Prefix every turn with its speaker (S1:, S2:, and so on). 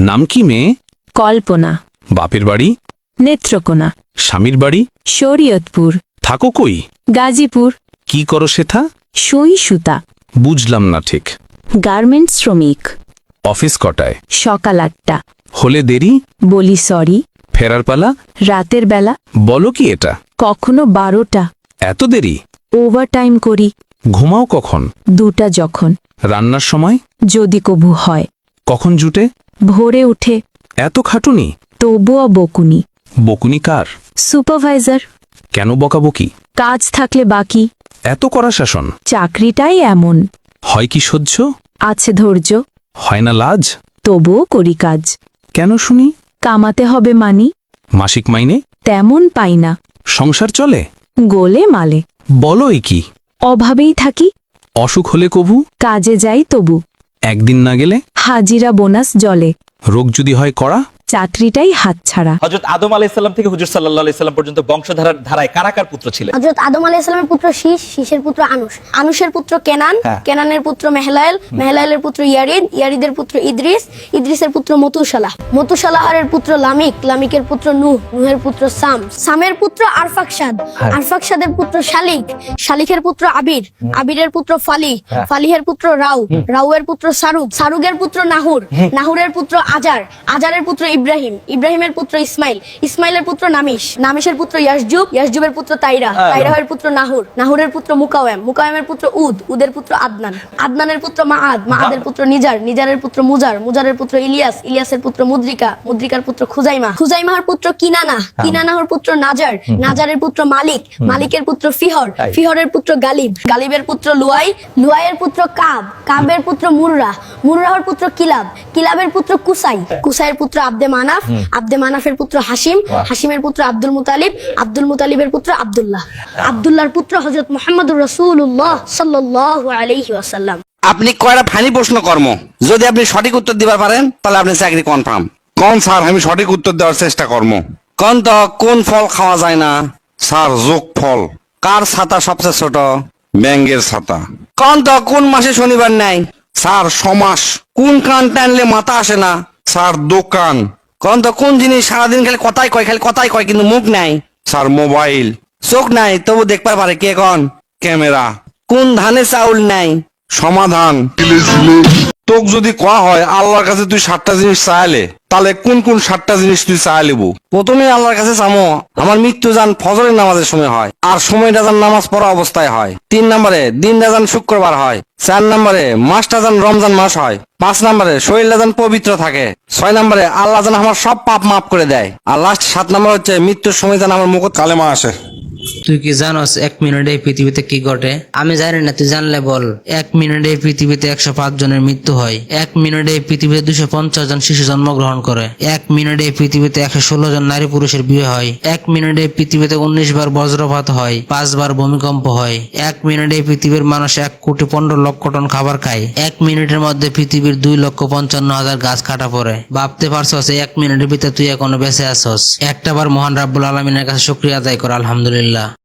S1: নাম কি মেয়ে?
S2: কল্পনা।
S1: বাপের বাড়ি?
S2: নেত্রকোনা।
S1: স্বামীর বাড়ি?
S2: শরীয়তপুর।
S1: থাকো কই?
S2: গাজীপুর।
S1: কি করো সেথা?
S2: সুই সুতা।
S1: বুঝলাম না ঠিক।
S2: গার্মেন্টস শ্রমিক।
S1: অফিস কটায়?
S2: সকাল 8টা।
S1: হলে দেরি?
S2: বলি সরি।
S1: ফেরার পালা?
S2: রাতের বেলা।
S1: বলো কি এটা?
S2: কখনো 12টা।
S1: এত দেরি?
S2: ওভারটাইম করি।
S1: ঘুমাও কখন?
S2: 2টা যখন।
S1: রান্নার সময়?
S2: যদি কবু হয়।
S1: কখন জুটে?
S2: ভোরে উঠে।
S1: এত খাটুনি?
S2: তবুও বকুনি।
S1: বকুনি কার?
S2: সুপারভাইজার।
S1: কেন বকাবকি?
S2: কাজ থাকলে বাকি।
S1: এত কড়া শাসন?
S2: চাকরিটাই এমন।
S1: হয় কি সহ্য?
S2: আছে ধৈর্য।
S1: হয় না লাজ?
S2: তবুও করি কাজ।
S1: কেন শুনি?
S2: কামাতে হবে মানি।
S1: মাসিক মাইনে?
S2: তেমন পাই না।
S1: সংসার চলে?
S2: গোলে মালে।
S1: বলোই কি?
S2: অভাবেই থাকি।
S1: অসুখ হলে কবু?
S2: কাজে যাই তবু।
S1: একদিন না গেলে?
S2: হাজিরা বোনাস জলে।
S1: রোগ যদি হয় কড়া?
S2: চাকরিটাই হাতছাড়া।
S3: হযরত আদম আলাইহিস সালাম থেকে হুজুর সাল্লাল্লাহু আলাইহি সাল্লাম পর্যন্ত বংশধারার ধারায় কারা কার পুত্র ছিলেন?
S4: হযরত আদম আলাইহিস সালামের পুত্র শীশ, শীশের পুত্র আনুশ, আনুশের পুত্র কেনান, কেনানের পুত্র মেহলায়েল, মেহলায়েলের পুত্র ইয়ারিদ, ইয়ারিদের পুত্র ইদ্রিস, ইদ্রিসের পুত্র মতুসালাহ, মতুসালাহের পুত্র লামিক, লামিকের পুত্র নূহ, নূহের পুত্র সাম, সামের পুত্র আরফাকশাদ, আরফাকশাদের পুত্র শালিক, শালিকের পুত্র আবির, আবিরের পুত্র ফালিহ, ফালিহের পুত্র রাউ, রাউয়ের পুত্র সারুগ, সারুগের পুত্র নাহুর, নাহুরের পুত্র আজার, আজারের পুত্র ইব্রাহিম, ইব্রাহিমের পুত্র ইসমাইল, ইসমাইলের পুত্র নামিশ, নামিশের পুত্র ইয়াসজুব, ইয়াসজুবের পুত্র তাইরা, তাইরাহের পুত্র নাহুর, নাহুরের পুত্র মুকাওয়েম, মুকাওয়েমের পুত্র উদ, উদের পুত্র আদনান, আদনানের পুত্র মাআদ, মাআদের পুত্র নিজার, নিজারের পুত্র মুজার, মুজারের পুত্র ইলিয়াস, ইলিয়াসের পুত্র মুদ্রিকা, মুদ্রিকার পুত্র খুজাইমা, খুজাইমার পুত্র কিনানা, কিনানাহর পুত্র নাজার, নাজারের পুত্র মালিক, মালিকের পুত্র ফিহর, ফিহরের পুত্র গালিব, গালিবের পুত্র লুয়াই, লুয়াইয়ের পুত্র কাব, কাবের পুত্র মুররা, মুররাহর পুত্র কিলাব, কিলাবের পুত্র কুসাই, কুসাইয়ের পুত্র আব্দে মানাফ, আব্দে মানাফের পুত্র হাসিম, হাসিমের পুত্র আব্দুল মুতালিব, আব্দুল মুতালিবের পুত্র আব্দুল্লাহ, আব্দুল্লাহর পুত্র হযরত মুহাম্মদুর রাসূলুল্লাহ সাল্লাল্লাহু আলাইহি ওয়াসাল্লাম।
S5: আপনি কয়টা ফানি প্রশ্ন কর্ম যদি আপনি সঠিক উত্তর দিবার পারেন তাহলে আপনি চাকরি কনফার্ম।
S6: কোন স্যার আমি সঠিক উত্তর দেওয়ার চেষ্টা করবো।
S5: কোন তো কোন ফল খাওয়া যায় না?
S6: স্যার যোগ ফল।
S5: কার ছাতা সবচেয়ে ছোট?
S6: ব্যাঙ্গের ছাতা।
S5: কোন তো কোন মাসে শনিবার নাই?
S6: স্যার সমাস।
S5: কোন কান টানলে মাথা আসে না?
S6: স্যার দোকান।
S5: কোন তো কোন জিনিস সারাদিন খালি কথাই কয়, খালি কথাই কয় কিন্তু মুখ নাই?
S6: Sir mobile.
S5: চোখ নাই তবু দেখতে পারে কে? কোন?
S6: ক্যামেরা।
S5: কোন ধানে চাউল নাই?
S6: সমাধান। তোক যদি কোয়া হয় আল্লাহর কাছে তুই 7টা জিনিস চাইলে তাহলে কোন কোন 7টা জিনিস তুই চাই লিবু?
S5: প্রথমে আল্লাহর কাছে চামো আমার মৃত্যু যান ফজরের নামাজের সময় হয়, আর সময়টা যান নামাজ পড়া অবস্থায় হয়। 3 নম্বরে দিনটা যান শুক্রবার হয়। 4 নম্বরে মাসটা যান রমজান মাস হয়। 5 নম্বরে শরীরটা যান পবিত্র থাকে। 6 নম্বরে আল্লাহ যেন আমার সব পাপ মাফ করে দেয়। আর লাস্ট 7 নম্বর হচ্ছে মৃত্যুর সময় যেন আমার মুখ
S6: কালেমা আসে।
S7: তুই কি জানোস 1 মিনিটে এই পৃথিবীতে কি ঘটে? আমি জানি না, তুই জানলে বল। 1 মিনিটে এই পৃথিবীতে 105 জনের মৃত্যু হয়। 1 মিনিটে এই পৃথিবীতে 250 জন শিশু জন্মগ্রহণ করে। 1 মিনিটে এই পৃথিবীতে 116 জন নারী পুরুষের বিয়ে হয়। 1 মিনিটে এই পৃথিবীতে 19 বার বজ্রপাত হয়, 5 বার ভূমিকম্প হয়। 1 মিনিটে এই পৃথিবীর মানুষ 1,15,00,000 টন খাবার খায়। 1 মিনিটের মধ্যে পৃথিবীর 2,55,000 গাছ কাটা পড়ে। ভাবতে পারছস 1 মিনিটের ভিতরে তুই এখনো বেঁচে আছস? একটাবার মহান রাব্বুল আলামিনের কাছে শুকরিয়া আদায় কর, আলহামদুলিল্লাহ।